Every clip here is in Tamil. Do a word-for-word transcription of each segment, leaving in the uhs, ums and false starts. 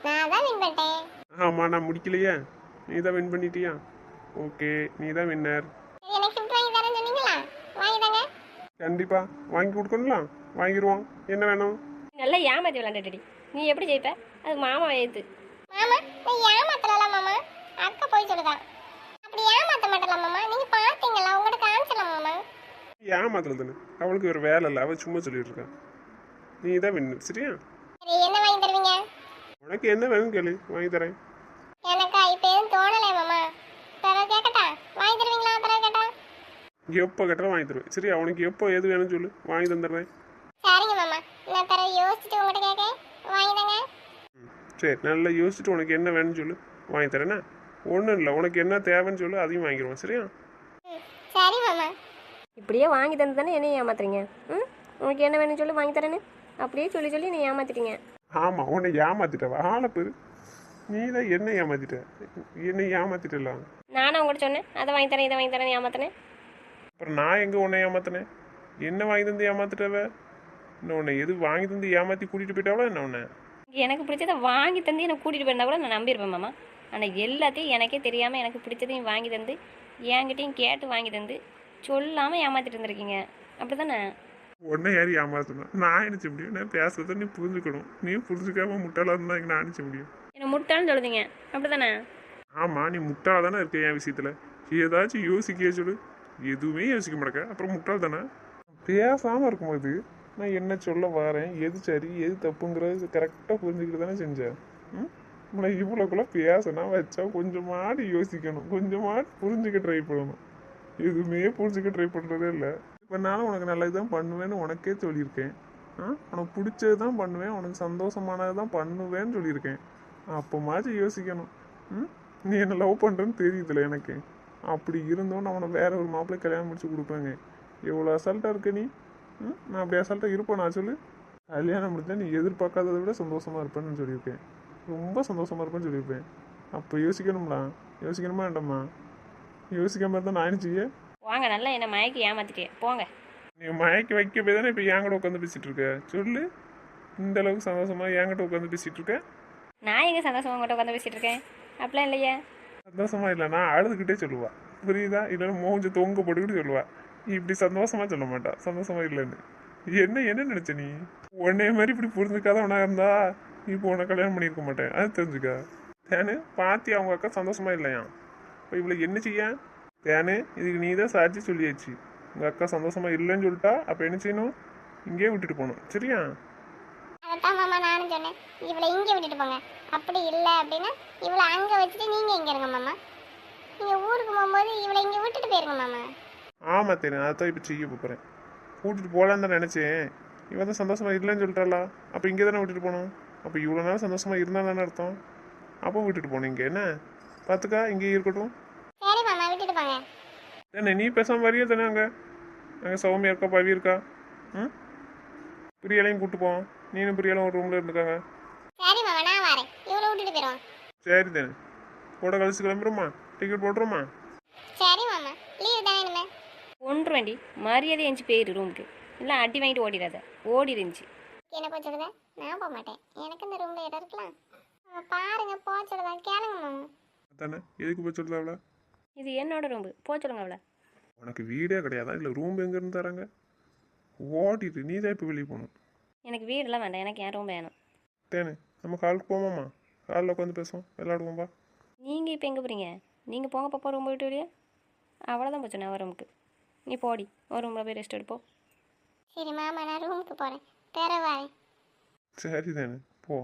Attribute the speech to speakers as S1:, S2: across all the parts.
S1: நான் தான் வின் பண்ணிட்டேன்.
S2: ஆமாம், நான் முடிக்கலையே. நீ தான் வின் பண்ணிட்டியா? ஓகே, நீ தான் வின்னர்.
S1: சரி, எனக்கு கிஃப்ட் வாங்கி தரேன்னு சொன்னீங்களா? வாங்கி தாங்க.
S2: கண்டிப்பாக வாங்கி கொடுக்கணும்லாம். வாங்கிடுவோம். என்ன வேணும்?
S3: நல்லா ஏமாத்தி விளாண்டுடி. நீ எப்படி ஜெயிப்ப? அது மாமா எழுத்து.
S1: மாமா, நான் ஏமாத்தல மாமா. அக்கா போய் சொல்லுதா. அப்படி ஏமாத்த மாட்டல மாமா. நீங்க பாத்தீங்களா? உங்கள்ட்ட காமிச்சல மாமா.
S2: ஏமாத்தல தானே, அவளுக்கு ஒரு வேலை இல்லை, அவள் சும்மா சொல்லிட்டு இருக்கா. நீ தான் வின்னர், சரியா?
S1: சரி, என்ன வாங்கி தருவீங்க?
S2: உனக்கு என்ன வேணும் கேளு, வாங்கி தரேன்.
S1: எனக்கா இப்போ எதுவும் தோணலை மாமா. பிறகு கேட்கட்டா? வாங்கி தருவீங்களா பிறகு கேட்டா?
S2: எப்போ கேட்டாலும் வாங்கி தருவேன், சரியா? உனக்கு எப்போ எது வேணும்னு சொல்லு, வாங்கி தந்துடுறேன்.
S1: சரிங்க மாமா. நான் பிறகு யோசிச்சுட்டு உங்கள்கிட்ட கேட்கேன். வாங்கி தாங்க.
S2: ம், சரி, நல்லா யோசிச்சுட்டு உனக்கு என்ன வேணும்னு சொல்லு, வாங்கி தரேன்னா. ஒன்றும் இல்லை, உனக்கு என்ன தேவைன்னு சொல்லு, அதையும் வாங்கிடுவோம், சரியா?
S1: ம், சரி மாமா.
S3: இப்படியே வாங்கி தந்து தானே என்னையும் ஏமாத்துறீங்க. ம் உனக்கு என்ன வேணும்னு சொல்லி வாங்கி தரேன்னு அப்படியே சொல்லி சொல்லி நீ ஏமாத்திட்டீங்க.
S2: ஆமாம், உன்னை ஏமாத்திட்டவா ஆளை பேர். நீ தான் என்ன ஏமாத்திட்ட, என்னை ஏமாத்திட்டலாம்.
S3: நானும் உங்கள்கிட்ட சொன்னேன் அதை வாங்கி தரேன் இதை வாங்கி தரேன் ஏமாத்தினேன்.
S2: அப்புறம் நான் எங்கே உன்னை ஏமாத்தினேன்? என்ன வாங்கி தந்து ஏமாத்திட்டவ? இன்னும் உன்னை எது வாங்கி தந்து ஏமாற்றி கூட்டிகிட்டு போயிட்டாவளா என்ன உன்னை?
S3: எனக்கு பிடிச்சதை வாங்கி தந்து எனக்கு கூட்டிகிட்டு போயிருந்தா கூட நான் நம்பியிருப்பேன் மாமா. ஆனால் எல்லாத்தையும் எனக்கே தெரியாமல் எனக்கு பிடிச்சதையும் வாங்கி தந்து என்கிட்டையும் கேட்டு வாங்கி தந்து சொல்லாமல் ஏமாற்றிட்டு இருந்திருக்கீங்க, அப்படி தானே?
S2: உன்னை யார் ஏமாத்தணும்? நான் நினச்ச முடியும். நான் பேசுறத நீ புரிஞ்சுக்கணும். நீ புரிஞ்சுக்காம முட்டாளாக இருந்தால் நான் நினச்ச முடியும்.
S3: என்னை முட்டாள்னு சொல்லுதீங்க, அப்படி தானே?
S2: ஆமாம், நீ முட்டாள் தானே இருக்க என் விஷயத்தில். ஏதாச்சும் யோசிக்க சொல்லு. எதுவுமே யோசிக்க மாட்டேக்க, அப்புறம் முட்டாள் தானே? பேசாமல் இருக்கும்போது நான் என்ன சொல்ல வரேன், எது சரி எது தப்புங்கிறது கரெக்டாக புரிஞ்சுக்கிட்டு தானே செஞ்சேன். ம் நம்மளை இவ்வளோக்குள்ள பேசினா வச்சா கொஞ்சமாடி யோசிக்கணும், கொஞ்சமாடி புரிஞ்சுக்க ட்ரை பண்ணணும். எதுவுமே புரிஞ்சுக்க ட்ரை பண்ணுறதே இல்லை. இப்போ நானும் உனக்கு நல்லது தான் பண்ணுவேன்னு உனக்கே சொல்லியிருக்கேன். ஆ உனக்கு பிடிச்சது தான் பண்ணுவேன், உனக்கு சந்தோஷமானது தான் பண்ணுவேன்னு சொல்லியிருக்கேன். அப்போ மாதிரி யோசிக்கணும். ம் நீ என்ன லவ் பண்ணுறேன்னு தெரியுதுல எனக்கு. அப்படி இருந்தோம் நான் உனக்கு வேற ஒரு மாப்பிள்ளை கல்யாணம் முடிச்சு கொடுப்பேங்க. எவ்வளோ அசால்ட்டாக இருக்க நீ. ம் நான் அப்படி அசால்ட்டாக இருப்பேன் நான் சொல்லு. கல்யாணம் முடிச்சா நீ எதிர்பார்க்காததை விட சந்தோஷமாக இருப்பேன்னு சொல்லியிருக்கேன். ரொம்ப சந்தோஷமாக இருப்பேன்னு சொல்லியிருப்பேன். அப்போ யோசிக்கணும்ல. யோசிக்கணுமா வேண்டாமா? யோசிக்காம இருந்தால் நான் என்ன செய்ய?
S3: வாங்க, நல்லா என்னை மயக்கி ஏமாத்திட்டே போங்க.
S2: நீ மயக்கி வைக்க போய் தானே இப்போ என்கிட்ட உட்காந்து பேசிகிட்டு இருக்க. சொல்லு, இந்த அளவுக்கு சந்தோஷமாக என்கிட்ட உட்காந்து பேசிகிட்டு இருக்க.
S3: நான் எங்கே சந்தோஷமாக உங்கள்கிட்ட உட்காந்து பேசிகிட்டு இருக்கேன்? அப்படிலாம் இல்லையா?
S2: சந்தோஷமா இல்லை, நான் அழுதுகிட்டே சொல்லுவா. புரியுதா? இல்லைன்னா மூஞ்ச தொங்க போட்டுக்கிட்டு சொல்லுவா. இப்படி சந்தோஷமா சொல்ல மாட்டா சந்தோஷமா இல்லைன்னு. என்ன என்ன நினைச்ச நீ? உன்னைய மாதிரி இப்படி புரிஞ்சுக்காதவனா இருந்தா இப்போ உன்னை கல்யாணம் பண்ணியிருக்க மாட்டேன். அது தெரிஞ்சுக்கா. தேனு பாத்தி அவங்க அக்கா சந்தோஷமா இல்லையா? இப்போ இவ்வளோ என்ன செய்ய? தேனு இதுக்கு நீ தான் சாட்சி சொல்லியாச்சு. உங்கள் அக்கா சந்தோஷமா இல்லைன்னு சொல்லிட்டா அப்போ என்ன செய்யணும்? இங்கேயே விட்டுட்டு போகணும், சரியா?
S1: அதான் மாமா நானும் சொன்னேன். இவளை இங்கே விட்டுட்டு போங்க. அப்படி இல்லை அப்படின்னா இவளை அங்கே வச்சுட்டு நீங்கள் இங்கே இருங்க மாமா. நீங்கள் ஊருக்கு போகும்போது இவளை இங்கே விட்டுட்டு போயிருங்க மாமா.
S2: ஆமாம் தேனு, அதான் இப்போ செய்ய போகிறேன். கூட்டிட்டு போகலான்னு தான் நினச்சேன். இவன் தான் சந்தோஷமா இல்லைன்னு சொல்லிட்டாளா? அப்போ இங்கே தானே விட்டுட்டு போகணும். அப்போ இவ்வளோ நாள் சந்தோஷமா இருந்தால் தானே அர்த்தம். அப்போ விட்டுட்டு போகணும். இங்கே என்ன பார்த்துக்கா, இங்கேயே இருக்கட்டும்.
S1: சரி மாமா, விட்டுட்டு போங்க.
S2: என்ன நீ பேசாமல் வரியா தானே? அங்கே அங்கே சௌமியா இருக்கா, பவி இருக்கா. ம் பிரியாலையும் கூப்பிட்டு போவோம். நீனும் பிரியாலும் ஒரு ரூமில் இருந்துக்காங்க.
S1: சரி மாமா, நான் வரேன். இவளை விட்டுட்டு போயிடுவோம்.
S2: சரி தானே, கூட கழிச்சு கிளம்புறோமா? டிக்கெட் போட்டுருமா?
S1: சரி மாமா, லீவ் தானே இனிமே.
S3: ஒன்று வேண்டி மரியாதை எஞ்சி போயிரு ரூமுக்கு. இல்லை அடி வாங்கிட்டு ஓடிடாத, ஓடி இருந்துச்சு.
S1: என்ன போய் சொல்லுத? நான் போக மாட்டேன். எனக்கு இந்த ரூமில் இடம் இருக்கலாம். அஹ் பாருங்க, போக சொல்லுதா கேளுங்க மாமா.
S2: அதானே, எதுக்கு போய் சொல்லுதாவளா?
S3: இது என்னோட ரூம்பு, போ சொல்லுங்க அவளை.
S2: உனக்கு வீடே கிடையாதா? இல்லை ரூம் எங்கேருந்து தராங்க? ஓட்டிட்டு நீ தான் இப்போ வெளியே போகணும்.
S3: எனக்கு வீடெல்லாம் வேண்டாம், எனக்கு என் ரூம் வேணும்.
S2: தேனு நம்ம காலுக்கு போவோமாம்மா? காலில் உட்காந்து பேசுவோம், விளையாடுவோம்பா.
S3: நீங்கள் இப்போ எங்கே போகிறீங்க? நீங்கள் போங்க பாப்பா ரூம் விட்டு வெளியே. அவ்வளோதான் போச்சு நான் ரூமுக்கு. நீ போடி ஒரு ரூமில் போய் ரெஸ்ட் எடுப்போம்.
S1: சரி மாமா, நான் ரூமுக்கு போகிறேன். பிற வரேன்.
S2: சரி தானே, போ.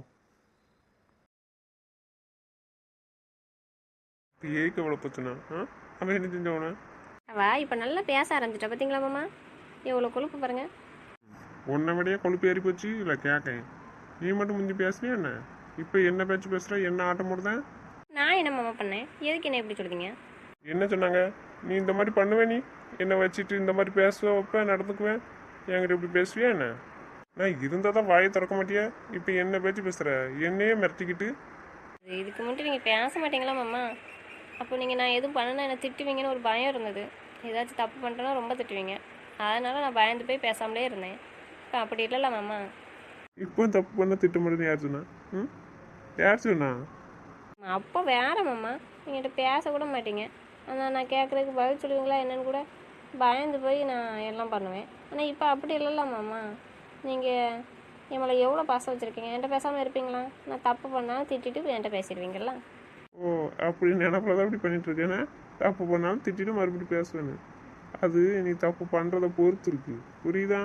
S2: இப்போ ஏக்கு எவ்வளோ பத்துனா? ஆ அவன் என்ன செஞ்சவன?
S3: அவா இப்போ நல்லா பேச ஆரம்பிச்சிட்டா பார்த்தீங்களா மாமா? எவ்வளோ கொழுப்பு பாருங்க.
S2: உன்னை விடையே கொழுப்பு ஏறி போச்சு. இல்லை கேட்கேன், நீ மட்டும் முந்தி பேசுனியா என்ன? இப்போ என்ன பேச்சு பேசுகிற? என்ன ஆட்டம் போடுதேன்?
S3: நான் என்ன மாமா பண்ணேன்? எதுக்கு என்ன எப்படி சொல்லுதீங்க?
S2: என்ன சொன்னாங்க? நீ இந்த மாதிரி பண்ணுவேன், நீ என்னை வச்சுட்டு இந்த மாதிரி பேசுவேன், வைப்பேன், நடந்துக்குவேன், என்கிட்ட இப்படி பேசுவியா என்ன? நான் இருந்தால் தான் வாயை திறக்க மாட்டியா? இப்போ என்ன பேச்சு பேசுகிற? என்னையே மிரட்டிக்கிட்டு.
S3: இதுக்கு முன்னாடி நீங்கள் பேச மாட்டீங்களா மாமா? அப்போ நீங்கள் நான் எதுவும் பண்ணனா என்னை திட்டுவீங்கன்னு ஒரு பயம் இருந்தது. ஏதாச்சும் தப்பு பண்ணிட்டேன்னா ரொம்ப திட்டுவீங்க. அதனால் நான் பயந்து போய் பேசாமலே இருந்தேன். இப்போ அப்படி இல்லைல்ல மாமா.
S2: இப்போ தப்பு பண்ண திட்ட மாட்டேன்னு யார் சொன்னா? ம் யார் சொன்னா?
S3: அப்போ வேற மாமா, என்கிட்ட பேச கூட மாட்டீங்க. ஆனால் நான் கேட்குறதுக்கு பதில் சொல்லுவீங்களா என்னன்னு கூட பயந்து போய் நான் எல்லாம் பண்ணுவேன். ஆனால் இப்போ அப்படி இல்லைல்ல மாமா. நீங்கள் என் மேலே எவ்வளோ பாசம் வச்சுருக்கீங்க. என்கிட்ட பேசாமல் இருப்பீங்களா? நான் தப்பு பண்ணாலும் திட்டிட்டு என்கிட்ட பேசிடுவீங்களா?
S2: ஓ, அப்படி நினப்பில் தான் அப்படி பண்ணிட்டு இருக்கேன்னா, தப்பு பண்ணாலும் திட்டிட்டு மறுபடியும் பேசுவேன்னு. அது நீ தப்பு பண்ணுறத பொறுத்து இருக்கு, புரியுதா?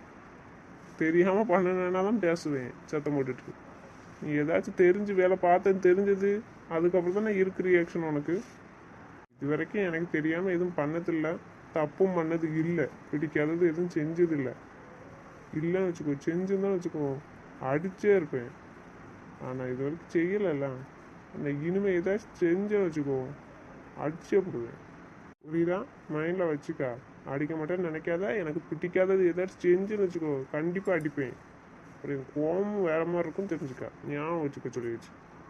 S2: தெரியாமல் பண்ணனா தான் பேசுவேன் சத்தம் போட்டுட்டு. நீ ஏதாச்சும் தெரிஞ்சு வேலை பார்த்தேன்னு தெரிஞ்சது, அதுக்கப்புறம் தான் இருக்கு ரியாக்ஷன் உனக்கு. இது வரைக்கும் எனக்கு தெரியாமல் எதுவும் பண்ணதில்லை, தப்பும் பண்ணது இல்லை, பிடிக்காதது எதுவும் செஞ்சது இல்லை. இல்லைன்னு வச்சுக்கோ, செஞ்சுருந்தான்னு வச்சுக்கோ அடிச்சே இருப்பேன். ஆனால் இது வரைக்கும் செய்யலைல்ல, அந்த இனிமேல் ஏதாச்சும் செஞ்சேன்னு வச்சுக்கோ அடிச்சே போடுவேன், புரியுதா? மைண்டில் வச்சுக்கா. அடிக்க மாட்டேன்னு நினைக்காத. எனக்கு பிடிக்காதது ஏதாச்சும் செஞ்சுன்னு வச்சுக்கோ கண்டிப்பாக அடிப்பேன். அப்புறம் கோபமும் வேற மாதிரி இருக்கும், தெரிஞ்சுக்கா. ஞாபகம் வச்சுக்க சொல்லி வச்சு.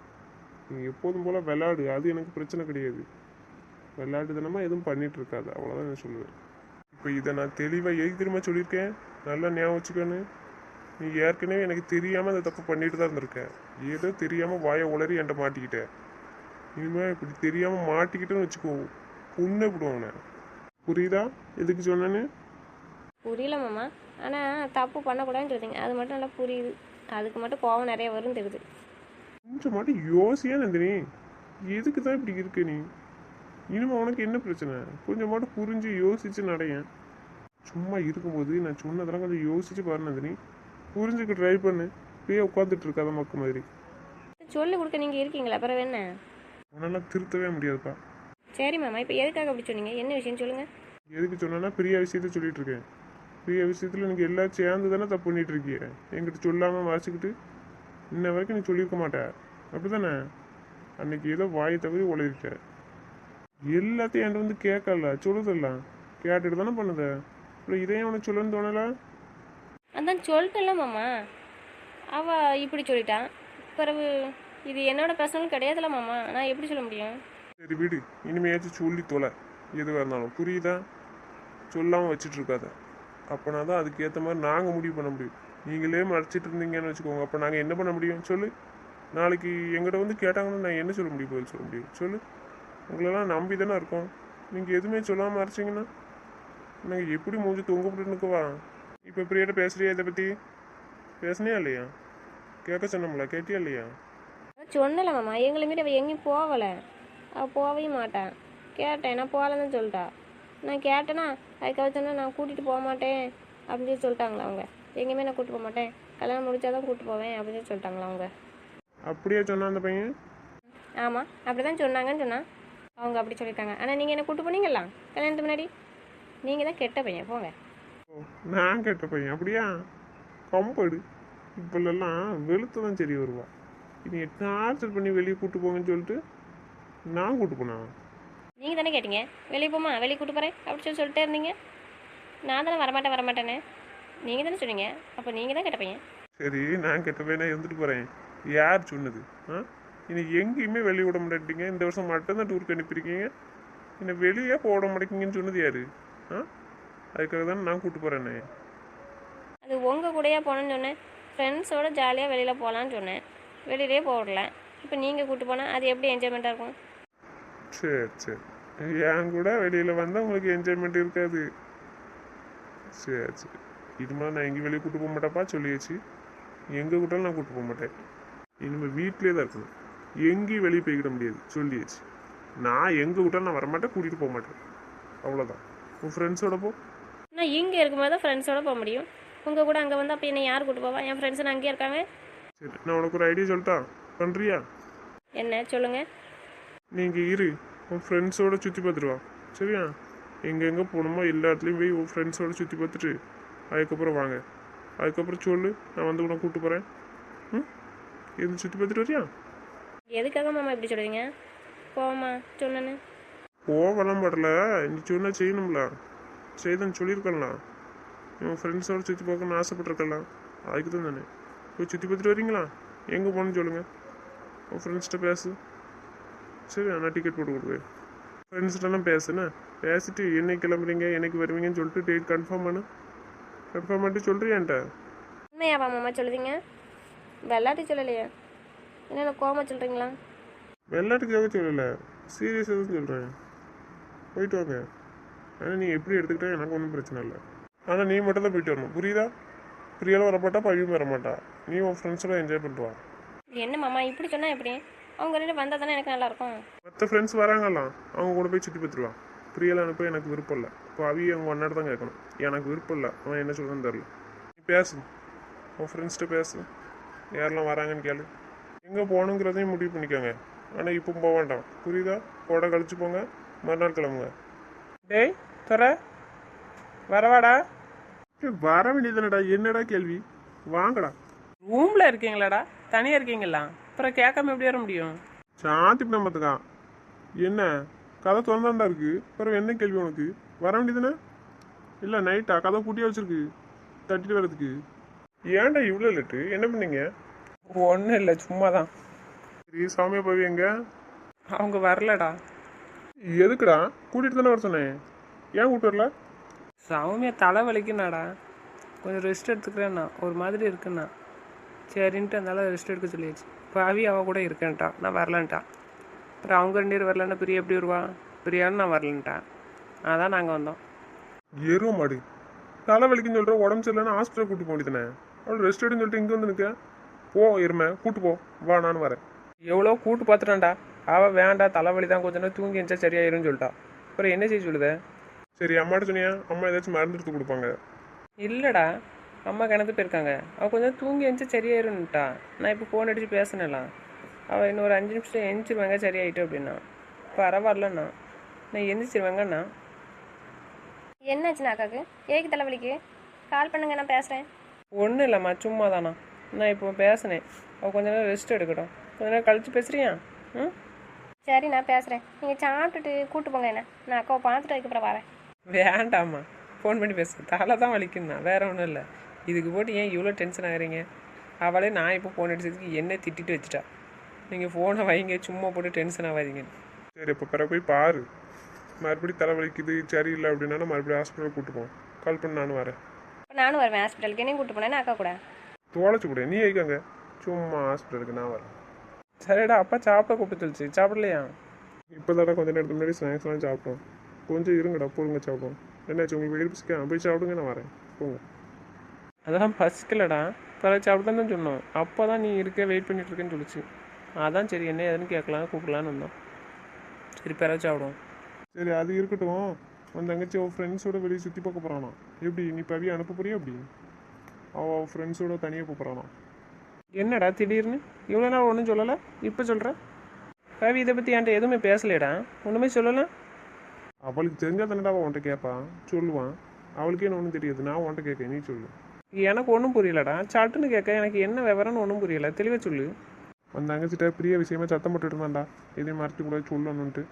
S2: நீ எப்போதும் போல் விளையாடு, அது எனக்கு பிரச்சனை கிடையாது. விளையாட்டு தினமாக எதுவும் பண்ணிட்டு இருக்காது, அவ்வளோதான் நான் சொல்லுவேன். இப்போ இதை நான் தெளிவாக எது திரும்ப சொல்லியிருக்கேன், நல்லா ஞாபகம் வச்சுக்கோன்னு. நீ ஏற்கனவே எனக்கு தெரியாமல் அந்த தப்பு பண்ணிட்டு தான் இருந்திருக்க. ஏதோ தெரியாமல் வாயை உளறி என்கிட்ட மாட்டிக்கிட்ட. இனிமேல் இப்படி தெரியாமல் மாட்டிக்கிட்டேன்னு வச்சுக்கோ புண்ணே விடுவாங்க, புரியுதா? எதுக்கு சொன்னேன்னு?
S3: புரியல மாமா. ஆனால் தப்பு பண்ணக்கூடாதுன்னு சொல்லுங்க, அது மட்டும் நல்லா புரியுது. அதுக்கு மட்டும் கோவம் நிறைய வரும் தெரியுது.
S2: கொஞ்சம் மட்டும் யோசியா நந்தினி, எதுக்கு தான் இப்படி இருக்கு நீ? இனிமே உனக்கு என்ன பிரச்சனை? கொஞ்சம் மட்டும் புரிஞ்சு யோசிச்சு நடையேன். சும்மா இருக்கும்போது நான் சொன்னதெல்லாம் கொஞ்சம் யோசிச்சு பாரு நந்தினி. புரிஞ்சுக்க ட்ரை பண்ணு. இப்பயே உட்காந்துட்டு இருக்காத மக்கு மாதிரி.
S3: சொல்லி கொடுக்க நீங்கள் இருக்கீங்களா? அப்புறம் என்ன?
S2: உன்னால திருத்தவே முடியாதுப்பா.
S3: சரி மாமா, இப்போ எதுக்காக அப்படி சொன்னீங்க? என்ன விஷயம் சொல்லுங்கள்.
S2: எதுக்கு சொன்னா பிரியா விஷயத்த சொல்லிட்டு இருக்கேன். பிரியா விஷயத்துல எனக்கு எல்லாம் சேர்ந்து தானே தப்பு பண்ணிட்டு இருக்கிய. என்கிட்ட சொல்லாமல் வாசிக்கிட்டு இன்ன வரைக்கும் நீ சொல்லியிருக்க மாட்ட, அப்படிதானே? அன்னைக்கு ஏதோ வாயை தவறி உழையிருக்க. எல்லாத்தையும் என்கிட்ட வந்து கேட்கல, சொல்லுதெல்லாம் கேட்டுட்டு தானே பண்ணுத. அப்புறம் இதையும் உனக்கு சொல்லணும்னு தோணல?
S3: அதான் சொல்லிட்டல மாமா, அவள் இப்படி சொல்லிட்டான். பிறகு இது என்னோட பர்சனல் கிடையாதுல்ல மாமா, நான் எப்படி சொல்ல முடியும்?
S2: சரி விடு, இனிமையாச்சும் சொல்லி தொலை எதுவாக இருந்தாலும், புரியுதா? சொல்லாமல் வச்சுட்டு இருக்காத. அப்போனா தான் அதுக்கேற்ற மாதிரி நாங்கள் முடிவு பண்ண முடியும். நீங்களே மறைச்சிட்டு இருந்தீங்கன்னு வச்சுக்கோங்க, அப்போ நாங்கள் என்ன பண்ண முடியும் சொல்லு? நாளைக்கு எங்கிட்ட வந்து கேட்டாங்கன்னா நான் என்ன சொல்ல முடியும்? பதில் சொல்ல முடியும் சொல்லு? உங்களெல்லாம் நம்பி தானே இருக்கோம். நீங்கள் எதுவுமே சொல்லாமல் மறைச்சிங்கன்னா நாங்கள் எப்படி மூஞ்சி தொங்க போட்டுன்னுக்குவா? இப்போ பிரியாட்ட பேசுறியா? இதை பற்றி பேசுனியா இல்லையா? கேட்க சொன்னோம்ல, கேட்டியா இல்லையா?
S3: சொன்னல மாமா, எங்களை மீறி அவள் எங்கேயும் போகலை. அவள் போகவே மாட்டான். கேட்டேன், நான் போகலன்னு சொல்லிட்டா. நான் கேட்டேன்னா அதுக்காக சொன்னால் நான் கூட்டிகிட்டு போக மாட்டேன் அப்படின்னு சொல்லி சொல்லிட்டாங்களா அவங்க. எங்கேயுமே நான் கூப்பிட்டு போக மாட்டேன், கல்யாணம் முடிச்சாதான் கூப்பிட்டு போவேன் அப்படின்னு சொல்லி சொல்லிட்டாங்களா அவங்க.
S2: அப்படியே சொன்னா அந்த பையன்?
S3: ஆமாம், அப்படி தான் சொன்னாங்கன்னு சொன்னான். அவங்க அப்படி சொல்லியிருக்காங்க. ஆனால் நீங்கள் என்ன கூப்பிட்டு போனீங்களா கல்யாணத்துக்கு முன்னாடி? நீங்கள் தான் கெட்ட பையன், போங்க.
S2: ஓ, நான் கேட்ட பையன் அப்படியா? கம்படு இப்போல்லாம் வெளுத்து தான் சரி வருவா. இனி டார்ச்சர் பண்ணி வெளியே கூப்பிட்டு போங்கன்னு சொல்லிட்டு நான் கூப்பிட்டு போனா?
S3: நீங்கள் தானே கேட்டீங்க வெளியே போமா, வெளியே கூப்பிட்டு போகிறேன் அப்படி சொல்லி சொல்லிட்டே இருந்தீங்க. நான் தானே வரமாட்டேன் வரமாட்டேன்னு நீங்கள் தானே சொன்னீங்க. அப்போ நீங்கள் தான் கெட்ட பையன்.
S2: சரி, நான் கெட்ட பையனா இருந்துட்டு போகிறேன். யார் சொன்னது? ஆ, இன்னைக்கு எங்கேயுமே வெளியே விட மாட்டேங்க. இந்த வருஷம் மட்டும்தான் டூருக்கு அனுப்பியிருக்கீங்க. என்னை வெளியே போட மாட்டேங்கிங்கன்னு சொன்னது யாரு? ஆ, அதுக்காக தானே நான் கூப்பிட்டு போகிறேன்னே.
S3: அது உங்கள் கூடயா போனேன்னு சொன்னேன். ஃப்ரெண்ட்ஸோடு ஜாலியாக வெளியில் போகலான்னு சொன்னேன். வெளியிலே போடல. இப்போ நீங்கள் கூப்பிட்டு போனால் அது எப்படி என்ஜாய்மெண்ட்டாக இருக்கும்?
S2: சரி சரி, என் கூட வெளியில் வந்தால் உங்களுக்கு என்ஜாய்மெண்ட் இருக்காது. சரி சரி, இனிமேல் நான் எங்கேயும் வெளியே கூப்பிட்டு போக மாட்டேப்பா, சொல்லியாச்சு. எங்கே கூட்டாலும் நான் கூப்பிட்டு போக மாட்டேன். இனிமேல் வீட்டிலே தான் இருக்கணும், எங்கேயும் வெளியே போய்கிட முடியாது, சொல்லியாச்சு. நான் எங்கே கூட்டாலும் நான் வரமாட்டேன், கூட்டிகிட்டு போக மாட்டேன், அவ்வளோதான். உன் ஃப்ரெண்ட்ஸோட போ.
S3: நான் இங்கே இருக்கும்போது தான் ஃப்ரெண்ட்ஸோடு போக முடியும். உங்கள் கூட அங்கே வந்து அப்போ என்னை யார் கூப்பிட்டு போவா? என் ஃப்ரெண்ட்ஸ் நான் அங்கேயே இருக்காங்க.
S2: சரி, நான் உனக்கு ஒரு ஐடியா சொல்லிட்டா, பண்ணுறியா?
S3: என்ன சொல்லுங்கள்.
S2: நீங்கள் இரு, உன் ஃப்ரெண்ட்ஸோடு சுற்றி பார்த்துட்டு வா, சரியா? எங்கெங்கே போகணுமோ எல்லா இடத்துலையும் போய் உன் ஃப்ரெண்ட்ஸோடு சுற்றி பார்த்துட்டு அதுக்கப்புறம் வாங்க. அதுக்கப்புறம் சொல்லு, நான் வந்து உன்னை கூப்பிட்டு போகிறேன். ம், எது சுற்றி பார்த்துட்டு வரியா?
S3: எதுக்காக மாமா இப்படி சொல்லுவீங்க? போமா சொன்னேன்னு.
S2: போகலாம் படல, நீ சொன்னால் செய்யணும்ல, செய்தன்னு சொல்லியிருக்கலாம். உன் ஃப்ரெண்ட்ஸோடு சுற்றி பார்க்கணும்னு ஆசைப்பட்டிருக்கலாம், அதுக்கு தான் தானே. போய் சுற்றி பார்த்துட்டு வரீங்களா? எங்கே போகணுன்னு சொல்லுங்கள், உன் ஃப்ரெண்ட்ஸ்கிட்ட பேசு. சரி, நான் டிக்கெட் போட்டு கொடுக்குறேன். ஃப்ரெண்ட்ஸ்கிட்டலாம் பேசுண்ணே, பேசிட்டு என்னைக்கு கிளம்புறீங்க என்னைக்கு வருவீங்கன்னு சொல்லிட்டு டேட் கன்ஃபார்ம் பண்ணு. கன்ஃபார்ம் பண்ணிட்டு சொல்கிறியான்ட்ட?
S3: உண்மையாவா மாமா சொல்லுவீங்க? வெள்ளாட்டி சொல்லலையா? என்னென்ன கோமா சொல்கிறீங்களா?
S2: விளையாட்டுக்காக சொல்லலை, சீரியஸாக தான் சொல்கிறேன். போயிட்டு வாங்க. ஆனால் நீ எப்படி எடுத்துக்கிட்டா எனக்கு ஒன்றும் பிரச்சனை இல்லை. ஆனால் நீ மட்டும் தான் போயிட்டு வரணும், புரியுதா? பிரியாலும் வரமாட்டா, பழியும் வரமாட்டா. நீ உன் ஃப்ரெண்ட்ஸோட என்ஜாய் பண்ணிட்டு வா.
S3: என்ன மாமா இப்படி சொன்னால் எப்படி? அவங்க ரெண்டு வந்தால் தானே எனக்கு நல்லாயிருக்கும்.
S2: மற்ற ஃப்ரெண்ட்ஸ் வராங்கலாம், அவங்க கூட போய் சுற்றி பார்த்துருவான். பிரியலாம் அனுப்ப எனக்கு விருப்பம் இல்லை. இப்போ அவி அவங்க ஒன்னாடு தான் கேட்கணும். எனக்கு விருப்பம் இல்லை, அவன் என்ன சொல்கிறேன்னு தெரில. நீ பேசு, உன் ஃப்ரெண்ட்ஸ்கிட்ட பேசு, யாரெல்லாம் வராங்கன்னு கேளு. எங்கே போகணுங்கிறதையும் முடிவு பண்ணிக்கோங்க. ஆனால் இப்போ போக வேண்டாம், புரியுதா? போட கழிச்சு போங்க, மறுநாள் கிளம்புங்க.
S4: டேய் துறை, வரவாடா.
S2: வர வேண்டியதுனடா, என்னடா கேள்வி? வாங்கடா.
S4: ரூமில் இருக்கீங்களாடா? தனியாக இருக்கீங்களா? அப்புறம் கேட்காம எப்படி வர முடியும்?
S2: சாந்தி பார்த்துக்கான். என்ன கதை திறந்தாண்டா இருக்கு, அப்புறம் என்ன கேள்வி உனக்கு? வர வேண்டியதுனே இல்லை, நைட்டா கதை பூட்டியே வச்சிருக்கு தட்டிட்டு வர்றதுக்கு? ஏன்டா இவ்வளோ லேட்டு? என்ன பண்ணீங்க?
S4: ஒன்றும் இல்லை, சும்மா தான்.
S2: சரி, சாமியா போய் எங்க?
S4: அவங்க வரலடா.
S2: எதுக்குடா? கூட்டிகிட்டு தானே வர சொன்னேன், ஏன் கூப்பிட்டு வரல?
S4: சௌமியா தலை வலிக்குனாடா, கொஞ்சம் ரெஸ்ட் எடுத்துக்கிறேன்னா, ஒரு மாதிரி இருக்குண்ணா. சரின்ட்டு அதனால ரெஸ்ட் எடுக்க சொல்லியாச்சு. பாவி அவள் கூட இருக்கேன்ட்டா, நான் வரலன்ட்டான். அப்புறம் அவங்க ரெண்டு பேர் வரலன்னா பிரியா எப்படி வருவா? பிரியான்னு நான் வரலன்ட்டான். அதான் நாங்கள் வந்தோம்.
S2: எருவ மாடு, தலை வலிக்குன்னு சொல்கிற, உடம்பு சரியில்லைன்னா ஹாஸ்பிட்டல் கூட்டு போக வேண்டியதானே? அவள் ரெஸ்ட் எடுன்னு சொல்லிட்டு இங்கே வந்து நிற்க. போ எருமை, கூட்டு போ, வா நான் வரேன்.
S4: எவ்வளோ கூட்டு பார்த்துட்டான்டா. அவள் வேண்டாம், தலைவலி தான், கொஞ்ச நேரம் தூங்கி எழுந்தா சரியாயிரும்னு சொல்லிட்டா. அப்புறம் என்ன செய்ய சொல்லுத?
S2: சரி, அம்மாட்ட சொன்னியா? அம்மா ஏதாச்சும் மருந்து எடுத்து கொடுப்பாங்க.
S4: இல்லைடா, அம்மா கிணத்து போயிருக்காங்க. அவள் கொஞ்சம் தூங்கி எழுந்துச்சு சரியாயிருன்னுட்டா. நான் இப்போ ஃபோன் அடித்து பேசினலாம். அவள் இன்னும் ஒரு அஞ்சு நிமிஷம் எழுந்திருவாங்க சரியாயிட்டு அப்படின்னா. பரவாயில்லண்ணா, நான் எந்திரிச்சிருவேங்கண்ணா.
S3: என்னாச்சுண்ணா அக்காவுக்கு? ஏக்கு தலைவலிக்கு? கால் பண்ணுங்க, நான் பேசுகிறேன்.
S4: ஒன்றும் இல்லைம்மா, சும்மா தானா. நான் இப்போ பேசினேன், அவள் கொஞ்ச நேரம் ரெஸ்ட் எடுக்கட்டும். கொஞ்ச நேரம் கழிச்சு பேசுறியா? ம்
S3: சரி, நான் பேசுகிறேன். நீங்கள் சாப்பிட்டுட்டு கூட்டு போங்க என்ன, நான் அக்காவை பார்த்துட்டு அதுக்கப்புறம் வரேன்.
S4: வேண்டாம்மா, ஃபோன் பண்ணி பேசு. தலை தான் வலிக்குண்ணா, வேற ஒன்றும் இல்லை. இதுக்கு போட்டு ஏன் இவ்வளோ டென்ஷன் ஆகிறீங்க? அவளே நான் இப்போ ஃபோன் அடிச்சதுக்கு என்ன திட்டிட்டு வச்சுட்டா. நீங்கள் ஃபோனை வைங்க, சும்மா போட்டு டென்ஷன் ஆகாதீங்க.
S2: சரி, இப்போ பிறகு போய் பாரு. மறுபடியும் தலை வலிக்குது சரியில்லை அப்படின்னா மறுபடியும் ஹாஸ்பிட்டல் கூட்டு போ. கால் பண்ணி நானும் வரேன்.
S3: இப்போ நானும் வருவேன் ஹாஸ்பிட்டலுக்கு. என்னையும் கூட்டு போனேன் அக்கா கூட.
S2: தோலைச்சு கூட நீ வைக்காங்க, சும்மா ஹாஸ்பிட்டலுக்கு நான் வரேன்.
S4: சரிடா, அப்பா சாப்பிட கூப்பிட்டு சொல்லிச்சு, சாப்பிடலையா?
S2: இப்போ தானே கொஞ்சம் நேரத்துக்கு முன்னாடி ஸ்நாக்ஸ்லாம் சாப்பிட்டோம். கொஞ்சம் இருங்கடா, போடுங்க சாப்பிடுவோம். என்னாச்சு உங்களுக்கு வெளியே பிடிச்சிக்கா? போய் சாப்பிடுங்க, நான் வரேன், போங்க.
S4: அதெல்லாம் பசிக்கலடா, பிறகு சாப்பிட்டு தான் சொன்னோம். அப்போ தான் நீ இருக்க வெயிட் பண்ணிட்டு இருக்கேன்னு சொல்லிச்சு. அதான் சரி என்ன ஏதுன்னு கேட்கலாம் கூப்பிடலான்னு வந்தோம். சரி, பிறகு சாப்பிடுவோம்.
S2: சரி, அது இருக்கட்டும். உன் தங்கச்சி அவள் ஃப்ரெண்ட்ஸோட வெளியே சுற்றி பார்க்க போகிறானா? எப்படி நீ பவி அனுப்ப போறியா? அப்படி அவள் ஃப்ரெண்ட்ஸோட தனியாக போகிறானா?
S4: என்னடா திடீர்னு இவ்வளோ நாள் ஒன்றும் சொல்லலை, இப்போ சொல்கிறேன். கவி இதை பற்றி என்கிட்ட எதுவுமே பேசலையடா, ஒன்றுமே சொல்லலை.
S2: அவளுக்கு தெரிஞ்சா தானடா அவள் உன்ட்ட கேட்பான், சொல்லுவான். அவளுக்கே என்ன ஒன்றும் தெரியாது, நான் உன்ட்ட கேட்க, நீ சொல்லு.
S4: எனக்கு ஒன்றும் புரியலடா, சட்டுன்னு கேட்க எனக்கு என்ன விவரம்னு ஒன்றும் புரியல, தெளிவாக சொல்லு.
S2: அந்த தங்கச்சிட்ட பிரிய விஷயமா சத்தம் போட்டுட்டு இருந்தான்டா, எதையும் மறைச்சி கூட சொல்லணுன்ட்டு.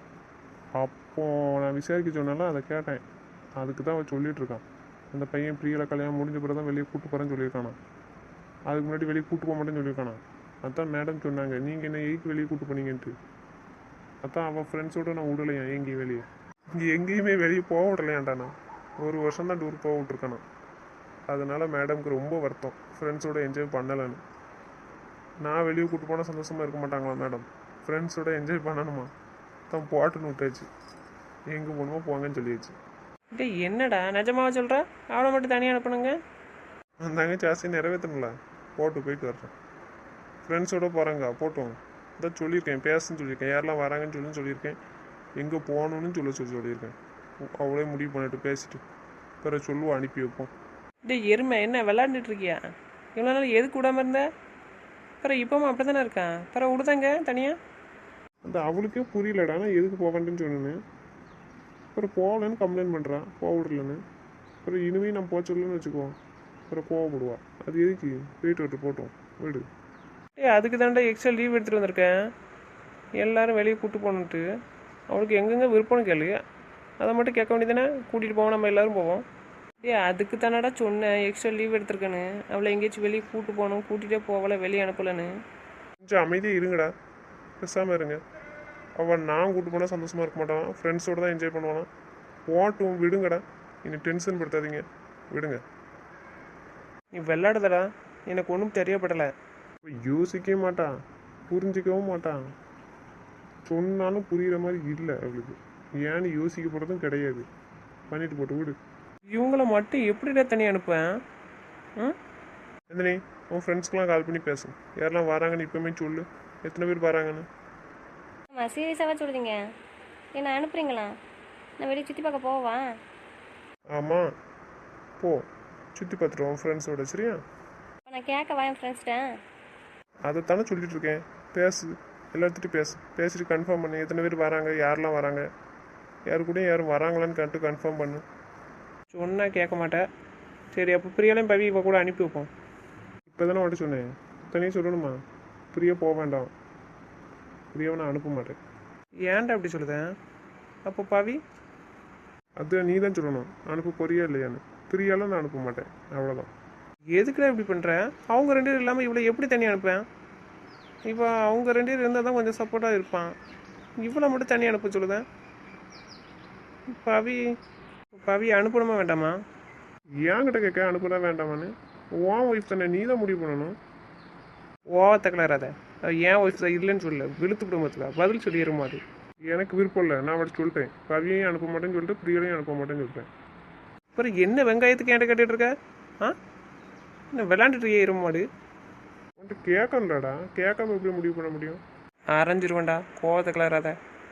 S2: அப்போ நான் விசாரிக்க சொன்னாலும் அதை கேட்டேன். அதுக்கு தான் அவள் சொல்லிட்டு இருக்கான். அந்த பையன் பிரியலை கல்யாணம் முடிஞ்ச பிறகு தான் வெளியே கூட்டு போகிறேன்னு சொல்லியிருக்கானா. அதுக்கு முன்னாடி வெளியே கூட்டு போக மாட்டேன்னு சொல்லியிருக்கானா. அதான் மேடம் சொன்னாங்க, நீங்கள் என்ன எய்க்கு வெளியே கூட்டு போனீங்கன்ட்டு. அதான் அவள் ஃப்ரெண்ட்ஸோடு நான் விடலையான் எங்கேயும் வெளியே. இங்கே எங்கேயுமே வெளியே போக விடலையாண்டாண்ணா. ஒரு வருஷம் தான் டூர் போக விட்ருக்கானா. அதனால மேடம்க்கு ரொம்ப வருத்தம், ஃப்ரெண்ட்ஸோட என்ஜாய் பண்ணலைன்னு. நான் வெளியே கூட்டு போனால் சந்தோஷமாக இருக்க மாட்டாங்களா மேடம்? ஃப்ரெண்ட்ஸோட என்ஜாய் பண்ணணுமா? தான் போட்டுன்னு விட்டாச்சு, எங்கே போகணுமோ போங்கன்னு சொல்லியாச்சு.
S4: டே என்னடா நிஜமாவா சொல்கிற? அவளை மட்டும் தனியாக அனுப்பணுங்க?
S2: அந்த தங்கச்சி ஆசையை நிறைவேற்றணும்ல, போட்டு போயிட்டு வர்றேன். ஃப்ரெண்ட்ஸோட போகிறாங்க, போட்டோம். அதான் சொல்லியிருக்கேன், பேசுன்னு சொல்லியிருக்கேன், யாரெல்லாம் வராங்கன்னு சொல்லி சொல்லியிருக்கேன். எங்கே போகணுன்னு சொல்ல சொல்லி சொல்லியிருக்கேன். அவளே முடிவு பண்ணிட்டு பேசிட்டு பிறகு சொல்லுவோம், அனுப்பி வைப்போம்.
S4: டே எருமை, என்ன விளாண்டுட்டு இருக்கியா? இவ்வளோ நாள் எதுக்கு விடாமல் இருந்த? பிறகு இப்போவும் அப்படி தானே இருக்கான், பிறகு விடுதாங்க தனியாக.
S2: அந்த அவளுக்கே புரியலடா, நான் எதுக்கு போக வேண்டேன்னு சொன்னேன்னு. அப்புறம் போகலன்னு கம்ப்ளைண்ட் பண்ணுறான், போக விடலன்னு. அப்புறம் இனிமேல் நான் போக சொல்லணும்னு வச்சுக்குவோம், அப்புறம் போக விடுவா. அது எதுக்கு? போயிட்டு விட்டு போட்டோம், வீடு.
S4: ஏ அதுக்கு தாண்டா எக்ஸ்ட்ரா லீவ் எடுத்துகிட்டு வந்திருக்கேன், எல்லோரும் வெளியே கூப்பிட்டு போகணுன்ட்டு. அவளுக்கு எங்கெங்கே விருப்பம்னு கேளு, அதை மட்டும் கேட்க வேண்டியதானே. கூட்டிகிட்டு போவோம், நம்ம எல்லோரும் போவோம். ஏ அதுக்கு தானடா சொன்னேன் எக்ஸ்ட்ரா லீவ் எடுத்திருக்கேன்னு. அவளை எங்கேயாச்சும் வெளியே கூப்பிட்டு போகணும், கூட்டிகிட்டே போகல, வெளியே அனுப்பலைன்னு.
S2: கொஞ்சம் அமைதியாக இருங்கடா, பேசாமல் இருங்க. அவன் நான் கூப்பிட்டு போனால் சந்தோஷமாக இருக்க மாட்டான், ஃப்ரெண்ட்ஸோடு தான் என்ஜாய் பண்ணுவானா. போட்டும், விடுங்கடா, இனி டென்ஷன் படுத்தாதீங்க, விடுங்க.
S4: நீ விளாடுதடா, எனக்கு ஒன்றும் தெரியப்படலை.
S2: யோசிக்கவே மாட்டான், புரிஞ்சிக்கவும் மாட்டான். சொன்னாலும் புரிகிற மாதிரி இல்லை அவளுக்கு. ஏன்னு யோசிக்க போகிறதும் கிடையாது. பண்ணிட்டு போட்டு விடு.
S4: இவங்கள மட்டும் எப்படிடா தனி அனுப்பேன்? ம்
S2: நந்தினி, உன் ஃப்ரெண்ட்ஸ்க்கெலாம் கால் பண்ணி பேசு. யாரெல்லாம் வராங்கன்னு இப்போமே சொல்லு. எத்தனை பேர் வராங்கன்னு.
S3: ஆமாம், சீரியஸாக சொல்லுதீங்க. என்ன அனுப்புறீங்களா? நான் வெளியே சுற்றி பார்க்க போவா?
S2: ஆமாம், போ சுற்றி பார்த்துட்டு உன் ஃப்ரெண்ட்ஸோட. சரியா?
S3: இப்போ நான் கேட்கவா என் ஃப்ரெண்ட்ஸ்கிட்ட?
S2: அதைத்தானே சொல்லிட்டு இருக்கேன். பேசு, எல்லாத்துட்டும் பேசு. பேசிட்டு கன்ஃபார்ம் பண்ணு எத்தனை பேர் வராங்க, யாரெல்லாம் வராங்க, யாரு கூட யாரும் வராங்களான்னு கேட்டு கன்ஃபார்ம் பண்ணு.
S4: சொன்னால் கேட்க மாட்டேன். சரி, அப்போ பிரியாலையும் பவி இவ கூட அனுப்பி வைப்போம்.
S2: இப்போ தானே மட்டும் சொன்னேன். தனியாக சொல்லணுமா? பிரியா போக வேண்டாம். பிரியாவை நான் அனுப்ப மாட்டேன்.
S4: ஏன்டா அப்படி சொல்லுதேன்? அப்போ பவி
S2: அது நீ தான் சொல்லணும். அனுப்ப போறியா இல்லையான்னு. பிரியாலாம் நான் அனுப்ப மாட்டேன். அவ்வளோதான்.
S4: எதுக்குடா இப்படி பண்ணுற? அவங்க ரெண்டு பேரும் இல்லாமல் இவ்வளோ எப்படி தனியாக அனுப்பேன்? இப்போ அவங்க ரெண்டு பேர் இருந்தால் தான் கொஞ்சம் சப்போர்ட்டாக இருப்பான். இவ்வளோ மட்டும் தனியாக அனுப்ப சொல்லுதேன். பவி பவி அனுப்பணுமா வேண்டாமா?
S2: ஏன்கிட்ட கேட்க அனுப்பலாம் வேண்டாமான்னு. உன் ஒய்ஃப் தானே, நீ தான் முடிவு பண்ணணும்.
S4: ஓவத்தை கிளறாத. ஏன் ஒய்ஃப் தான் இல்லைன்னு சொல்ல, விழுத்து குடும்பத்துக்கா பதில் சொல்லிடுமா? அது
S2: எனக்கு விருப்பம் இல்லை. நான் அவட்ட சொல்லிட்டேன். பவியையும் அனுப்ப மாட்டேன்னு சொல்லிட்டு பிரியாலையும் அனுப்ப மாட்டேன்னு சொல்லிட்டேன்.
S4: அப்புறம் என்ன வெங்காயத்துக்கு என்கிட்ட கேட்டுட்டு இருக்க? ஆ என்ன விளாண்டுட்டு இருக்கிய எருமாடு?
S2: உன்ட்டு கேட்கணும்டாடா. கேட்காம எப்படி முடிவு பண்ண முடியும்?
S4: அரைஞ்சிருவேண்டா. கோவத்தை கிளறாத.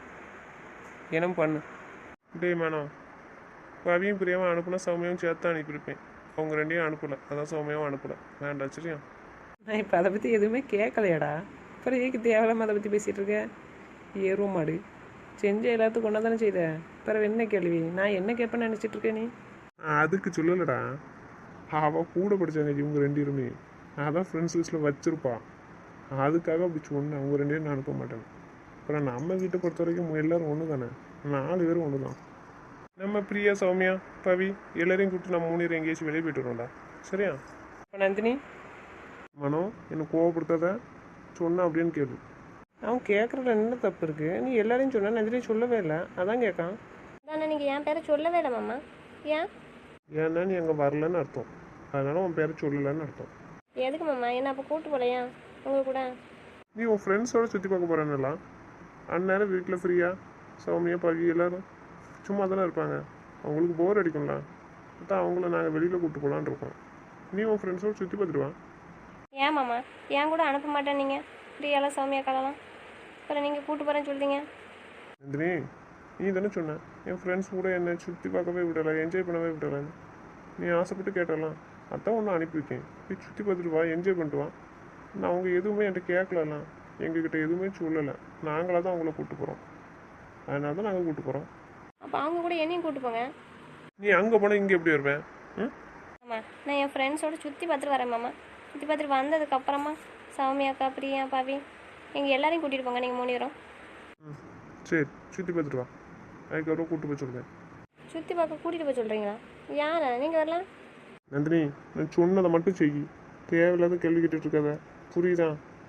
S4: என்ன பண்ணு?
S2: டேய் மேனம், பவியும் பிரியாவும் அனுப்புனா சௌமியாவும் சேர்த்து தான் அனுப்பியிருப்பேன். அவங்க ரெண்டையும் அனுப்பலை. அதான் சௌமியாவும் அனுப்பலை. வேண்டாம். சரியா?
S4: நான் இப்போ அதை பற்றி எதுவுமே கேட்கலையாடா. அப்புறம் ஏக்கு தேவையில்லாமல் அதை பற்றி பேசிகிட்டு இருக்கேன். ஏறும் மாடு செஞ்ச எல்லாத்துக்கும் ஒன்றா தானே செய்த. பிறகு என்ன கேள்வி? நான் என்ன கேட்பேன்னு நினச்சிட்டு இருக்கேன் நீ?
S2: அதுக்கு சொல்லலடா. அவள் கூட படித்தாங்க இவங்க ரெண்டு பேருமே. அதான் ஃப்ரெண்ட்ஸ் லிஸ்ட்டில் வச்சுருப்பான். அதுக்காக அப்படி சொன்னேன். அவங்க ரெண்டு பேரும் நான் அனுப்ப மாட்டேன். அப்புறம் நம்ம வீட்டை பொறுத்த வரைக்கும் எல்லோரும் ஒன்று தானே. நாலு பேரும் ஒன்று தான். நம்ம பிரியா, சௌமியா, பவி எல்லாரையும் கூப்பிட்டு நம்ம மூணு பேரும் எங்கேயாச்சும் வெளியே போய்ட்டு வரோம்டா. சரியா?
S4: இப்போ நந்தினி
S2: மனோ, என்னை கோவப்படுத்தாத. சொன்னா அப்படின்னு கேளு.
S4: அவன் கேட்குறதுல என்ன தப்பு இருக்குது? நீ எல்லாரையும் சொன்ன, நந்தினி சொல்லவே இல்லை. அதான் கேட்கான்.
S3: அதானே நீங்கள் என் பேரை சொல்லவே இல்லை மாமா. ஏன்?
S2: ஏன்னா நீ அங்கே வரலன்னு அர்த்தம். அதனால உன் பேரை சொல்லலைன்னு அர்த்தம்.
S3: எதுக்கு மாமா என்ன அப்போ கூப்பிட்டு போலையா உங்கள் கூட?
S2: நீ உன் ஃப்ரெண்ட்ஸோட சுற்றி பார்க்க போகிறேன்னுலாம். அந்நேரம் வீட்டில் ஃப்ரீயாக சௌமியா, பவி எல்லோரும் சும்மா தானே இருப்பாங்க. அவங்களுக்கு போர் அடிக்கும்ல. அதான் அவங்கள நாங்கள் வெளியில் கூப்பிட்டு போகலான்னு இருக்கோம். நீ உன் ஃப்ரெண்ட்ஸோட சுற்றி பார்த்துருவான்.
S3: ஏன் மாமா ஏன் கூட அனுப்ப மாட்டேன் நீங்கள்? ஃப்ரீயெல்லாம் சௌமியா காலலாம். அப்புறம் நீங்கள் கூப்பிட்டு போகிறேன்னு சொல்லிட்டீங்க.
S2: நந்தினி, நீ தானே சொன்ன என் ஃப்ரெண்ட்ஸ் கூட என்னை சுற்றி பார்க்கவே விடலை, என்ஜாய் பண்ணவே விடலைன்னு. நீ ஆசைப்பட்டு கேட்டலாம். அதான் ஒன்று அனுப்பி வைக்கேன். போய் சுற்றி பார்த்துட்டு வா, என்ஜாய் பண்ணிட்டு வா. நான் அவங்க எதுவுமே என்கிட்ட கேட்கலாம். எங்ககிட்ட எதுவுமே சொல்லலை. நாங்களாக தான் அவங்கள கூப்பிட்டு போகிறோம். அதனால தான் நாங்கள் கூப்பிட்டு போகிறோம்.
S3: அப்போ அவங்க கூட என்னையும் கூப்பிட்டு போங்க.
S2: நீ அங்கே போனால் இங்கே எப்படி வருவேன்? ம்
S3: ஆமாம், நான் என் ஃப்ரெண்ட்ஸோட சுற்றி பார்த்துட்டு வரேன் மாமா. சுற்றி பார்த்துட்டு வந்ததுக்கப்புறமா சௌமியாக்கா, பிரியா, பாவி எங்கள் எல்லாரையும் கூட்டிகிட்டு போங்க. நீங்கள் மூணு பேரும்
S2: ம் சரி, சுற்றி பார்த்துட்டு வா. அதுக்கப்புறம் கூப்பிட்டு போய் சொல்கிறேன்.
S3: சுற்றி பார்க்க கூட்டிகிட்டு போய் சொல்கிறீங்களா? யாரை? நீங்கள் வரலாம்.
S2: நந்தினி, நான் சொன்னதை மட்டும் செய். தேவையில்லாத கேள்வி கேட்டுட்டு இருக்காத. புரியுதா?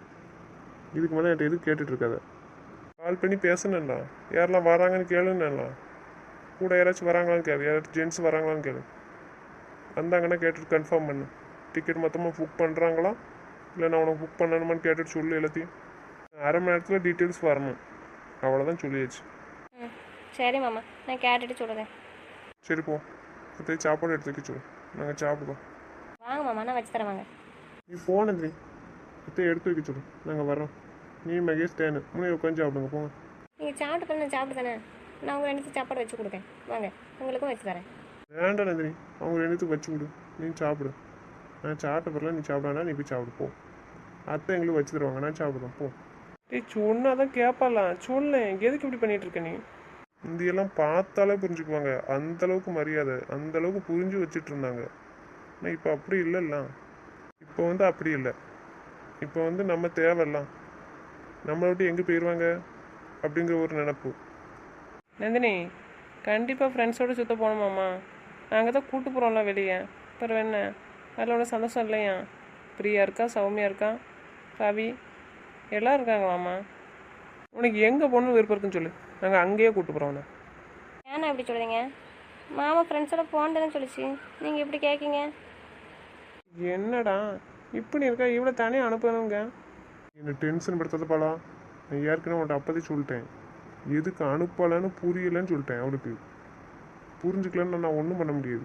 S2: இதுக்கு மேலே என்கிட்ட எதுவும் கேட்டுட்டு இருக்காத. கால் பண்ணி பேசணும்டா. யாரெல்லாம் வராங்கன்னு கேளுன்னா. கூட யாராச்சும் வராங்களான்னு கேளு. யாராச்சும் ஜென்ஸ் வராங்களான்னு கேளு. வந்தாங்கன்னா கேட்டுட்டு கன்ஃபார்ம் பண்ணு. டிக்கெட் மொத்தமாக புக் பண்ணுறாங்களா இல்லை நான் உனக்கு புக் பண்ணணுமான்னு கேட்டுட்டு சொல்லு. எல்லாத்தையும் அரை மணி நேரத்தில் டீட்டெயில்ஸ் வரணும். அவ்வளோதான் சொல்லியாச்சு.
S3: ம் சரி மாமா, நான் கேட்டுட்டு சொல்கிறேன்.
S2: சரி போ. அத்தையை சாப்பாடு எடுத்து வைக்க சொல்லு. நாங்கள் சாப்பிடுவோம்.
S3: வாங்க மாமா, நான் வச்சு தரேன் வாங்க.
S2: நீ போனது அத்தையை எடுத்து வைக்க சொல்லு. நாங்கள் வரோம். நீ மகேஷ் தேனு மூணு உட்காந்து சாப்பிடுங்க. போங்க.
S3: நீங்கள் சாப்பிட்டு பண்ண சாப்பிட்டு தானே. நான் உங்கள் ரெண்டு சாப்பாடு வச்சு கொடுக்கேன். வாங்க, உங்களுக்கும் வச்சு தரேன்.
S2: வேண்டாம் நந்தினி, அவங்க ரெண்டுத்துக்கு வச்சு விடு. நீ சாப்பிடு. நான் சாப்பிட்ட பிறகு நீ சாப்பிடாண்டா. நீ போய் சாப்பிடு போ. அத்தை எங்களுக்கு வச்சு தருவாங்க. நான் சாப்பிடுவேன் போ.
S4: டேய் சொன்னா தான் கேட்பாலாம். சொல்லேன், எதுக்கு இப்படி பண்ணிட்டு இருக்க நீ?
S2: இந்தியெல்லாம் பார்த்தாலே புரிஞ்சுக்குவாங்க. அந்தளவுக்கு மரியாதை, அந்தளவுக்கு புரிஞ்சு வச்சுட்டு இருந்தாங்க. ஆனால் இப்போ அப்படி இல்லைல்ல. இப்போ வந்து அப்படி இல்லை. இப்போ வந்து நம்ம தேவையில்லாம். நம்மளை விட்டு எங்கே போயிடுவாங்க அப்படிங்கிற ஒரு நினப்பு.
S4: நந்தினி, கண்டிப்பாக ஃப்ரெண்ட்ஸோடு சுற்ற போகணுமாம்மா. நாங்கள் தான் கூப்பிட்டு போகிறோம்ல வெளியே. அப்புறம் என்ன, அதில் ஒன்றும் சந்தோஷம் இல்லையா? பிரியா இருக்கா, சௌமியா இருக்கா, ரவி எல்லாம் இருக்காங்களாம்மா. உனக்கு எங்கே போகணுன்னு விருப்பம் இருக்குன்னு சொல்லு. நாங்கள் அங்கேயே கூப்பிட்டு போகிறோம். உன்னை
S3: ஏன்னா இப்படி சொல்கிறீங்க? மாமா ஃப்ரெண்ட்ஸோட போனதுன்னு சொல்லிச்சு, நீங்கள் இப்படி கேட்கீங்க?
S4: என்னடா இப்படி இருக்கா? இவ்வளோ தானே அனுப்பணுங்க.
S2: என்னை டென்ஷன் படுத்தாத பாலா. நான் ஏற்கனவே அவன்கிட்ட அப்போதே சொல்லிட்டேன், எதுக்கு அனுப்பலைன்னு புரியலைன்னு சொல்லிட்டேன். அவளுக்கு புரிஞ்சுக்கலன்னு நான் ஒன்றும் பண்ண முடியாது.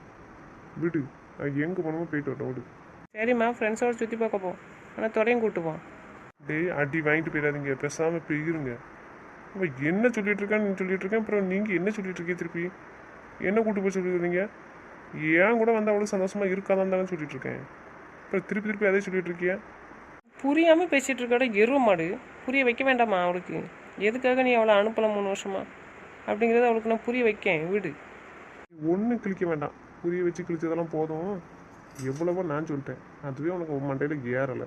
S2: விடு, அது எங்கே போனமோ போயிட்டு வரட்டும் விடு.
S4: சரிம்மா, ஃப்ரெண்ட்ஸோட சுற்றி பார்க்க போ, ஆனால் துறையும் கூப்பிட்டு போ.
S2: டேய் அடி வாங்கிட்டு போயிடாதீங்க, பேசாமல் இப்போ இருங்க. அவன் என்ன சொல்லிட்டு இருக்கான்னு சொல்லிட்டு இருக்கேன், அப்புறம் நீங்கள் என்ன சொல்லிட்டு இருக்கீங்க திருப்பி? என்ன கூட்டு போய் சொல்லிடுறீங்க? ஏன் கூட வந்து அவ்வளோ சந்தோஷமாக இருக்காதான் தானே சொல்லிட்டு இருக்கேன். அப்புறம் திருப்பி திருப்பி அதே சொல்லிட்டு இருக்கியா?
S4: புரியாமல் பேசிகிட்டு இருக்காட எருவ மாடு. புரிய வைக்க வேண்டாமா அவளுக்கு? எதுக்காக நீ அவளை அனுப்பலாம் மூணு வருஷமா அப்படிங்கிறத அவளுக்கு நான் புரிய வைக்கேன். வீடு
S2: ஒன்றும் கிழிக்க வேண்டாம், புரிய வச்சு கிழிச்சதெல்லாம் போதும். எவ்வளவோ நான் சொல்லிட்டேன், அதுவே உனக்கு மண்டையில் ஏறலை.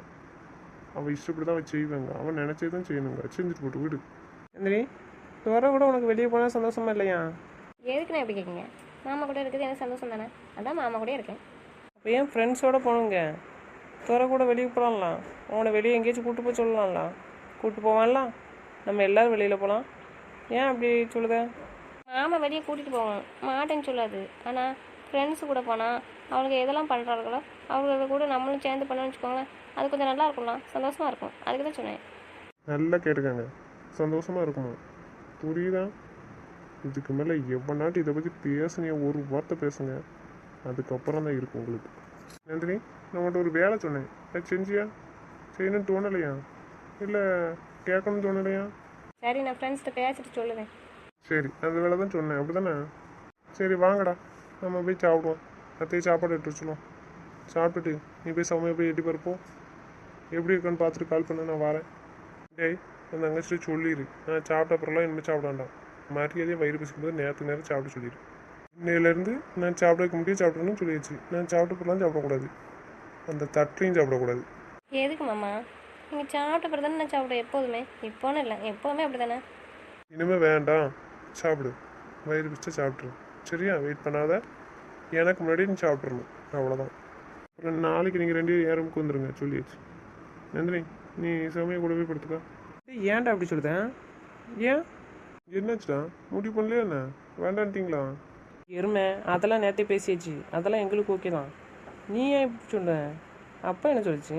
S2: அவள் இஷ்டப்படி தான் அவள் செய்வாங்க, அவன் நினச்சே தான் செய்யணுங்க. செஞ்சுட்டு போட்டு வீடு.
S4: நந்தினி, துறை கூட உனக்கு வெளியே போனால் சந்தோஷமா இல்லையா?
S3: எதுக்கு நான் எப்படி கேட்குங்க? மாமா கூட இருக்குது எனக்கு சந்தோஷம் தானே, அதான் மாமா கூட இருக்கேன்.
S4: அப்போ ஏன் ஃப்ரெண்ட்ஸோடு போகணுங்க? துறை கூட வெளியே போகலாம்லாம், அவனை வெளியே எங்கேயாச்சும் கூப்பிட்டு போய் சொல்லலாம்லாம். கூப்பிட்டு போவான்லாம், நம்ம எல்லோரும் வெளியில் போகலாம். ஏன் அப்படி சொல்லுத?
S3: மாமா வெளியே கூட்டிகிட்டு போவோம், மாட்டேன்னு சொல்லாது. ஆனால் ஃப்ரெண்ட்ஸு கூட போனால் அவளுக்கு எதெல்லாம் பண்ணுறாங்களோ அவங்கள கூட நம்மளும் சேர்ந்து பண்ணோன்னு வச்சுக்கோங்களேன், அது கொஞ்சம் நல்லா இருக்கும்லாம், சந்தோஷமாக இருக்கும். அதுக்கு தான் சொன்னேன்.
S2: நல்லா கேட்டுக்காங்க, சந்தோஷமாக இருக்குமா? புரியுதா? இதுக்கு மேலே எவ்வளோ இதை பற்றி பேசுனீங்க, ஒரு வார்த்தை பேசுங்க, அதுக்கப்புறம் தான் இருக்கும் உங்களுக்கு. நந்தினி, நான் உன்கிட்ட ஒரு வேலை சொன்னேன், அது செஞ்சியா? செய்யணும்னு தோணலையா? இல்லை கேட்கணும்னு தோணலையா?
S3: சரி, நான் ஃப்ரெண்ட்ஸ்கிட்ட பேசிட்டு சொல்லுவேன்.
S2: சரி, அந்த வேலை தான் சொன்னேன், அப்படி தானே? சரி வாங்கடா, நம்ம போய் சாப்பிடுவோம். அத்தையும் சாப்பாடு எடுத்து வச்சுருவோம். சாப்பிட்டுட்டு நீ போய் சமையல் போய் எட்டி பருப்போம். எப்படி இருக்குன்னு பார்த்துட்டு கால் பண்ண, நான் வரேன். டேய், அந்த தங்கச்சிட்டு சொல்லிடு, நான் சாப்பிட்ட அப்புறம்லாம் இனிமேல் சாப்பிட வேண்டாம். மரியாதையாக வயிறு பசிக்கும்போது நேரத்துக்கு நேரம் சாப்பிட சொல்லிடு. இன்னையிலேருந்து நான் சாப்பிட வைக்க முடியும் சாப்பிடணும்னு சொல்லிடுச்சு. நான் சாப்பிட்ட அப்புறம்லாம் சாப்பிடக்கூடாது, அந்த தட்டையும் சாப்பிடக்கூடாது.
S3: எதுக்கு மாமா? நீங்கள் சாப்பிட்ட பிறகு தானே நான் சாப்பிடுவேன் எப்போதுமே. இப்போன்னு இல்லை, எப்போதுமே அப்படி தானே.
S2: இனிமேல் வேண்டாம், சாப்பிடு. வயிறு பிடிச்சா சாப்பிட்ரு, சரியா? வெயிட் பண்ணாத, எனக்கு முன்னாடி நீ சாப்பிட்றணும், அவ்வளோதான். அப்புறம் நாளைக்கு நீங்கள் ரெண்டு பேரும் ஏறமுக்கு வந்துடுங்க சொல்லியாச்சு. நந்தினி, நீ சமயம் கூட போய் படுத்துக்கா.
S4: ஏன்டா அப்படி சொல்லுதேன்? ஏன்
S2: என்னாச்சுடா, முடிவு பண்ணலையா என்ன? வேண்டான்ட்டிங்களா?
S4: எருமை, அதெல்லாம் நேற்றே பேசியாச்சு, அதெல்லாம் எங்களுக்கு ஓகே தான். நீ ஏன் இப்படி சொல்ற? அப்பா என்ன சொல்லிச்சு?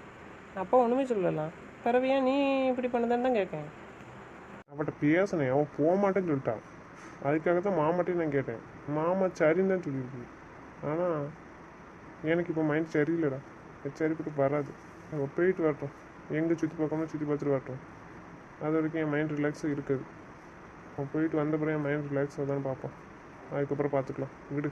S4: அப்பா ஒன்றுமே சொல்லலாம். பிறகு ஏன் நீ இப்படி பண்ணதான்னு தான் கேட்கேன்.
S2: அவன்கிட்ட பேசினேன், அவன் போக மாட்டேன்னு சொல்லிட்டான். அதுக்காக தான் மாமாட்டையும் நான் கேட்டேன். மாமா சரின்னு தான் சொல்லியிருக்கு. ஆனால் எனக்கு இப்போ மைண்ட் சரியில்லைடா, சரிப்பட்டு வராது. அவள் போயிட்டு வரட்டும், எங்கே சுற்றி பார்க்கணும் சுற்றி பார்த்துட்டு வரட்டும். அது வரைக்கும் என் மைண்ட் ரிலாக்ஸாக இருக்காது. அவன் போயிட்டு வந்த பிறகு என் மைண்ட் ரிலாக்ஸாக தான் பார்ப்போம். அதுக்கப்புறம் பார்த்துக்கலாம், விடு.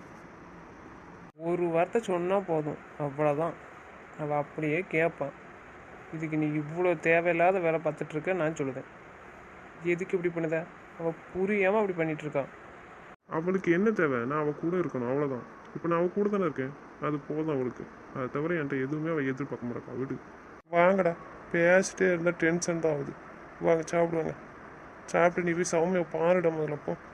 S4: ஒரு வார்த்தை சொன்னால் போதும், அவ்வளோதான். அவள் அப்படியே கேட்பான். இதுக்கு நீ இவ்வளோ தேவையில்லாத வேலை பார்த்துட்ருக்க நான் சொல்லுதேன். எதுக்கு இப்படி பண்ணுத? அவள் புரியாமல் அப்படி பண்ணிகிட்ருக்கான்.
S2: அவளுக்கு என்ன தேவை? நான் அவள் கூட இருக்கணும், அவ்வளோதான். இப்போ நான் அவள் கூட தானே இருக்கேன், அது போதும் அவளுக்கு. அதை தவிர என்கிட்ட எதுவுமே அவள் எதிர்பார்க்க மாட்டா, விடு. வாங்கடா, பேசிட்டே இருந்தால் டென்ஷன் தான் ஆகுது. வாங்க சாப்பிடுவாங்க. சாப்பிட்டு நீ போய் சௌமியை பாருடா முதல்ல. போ.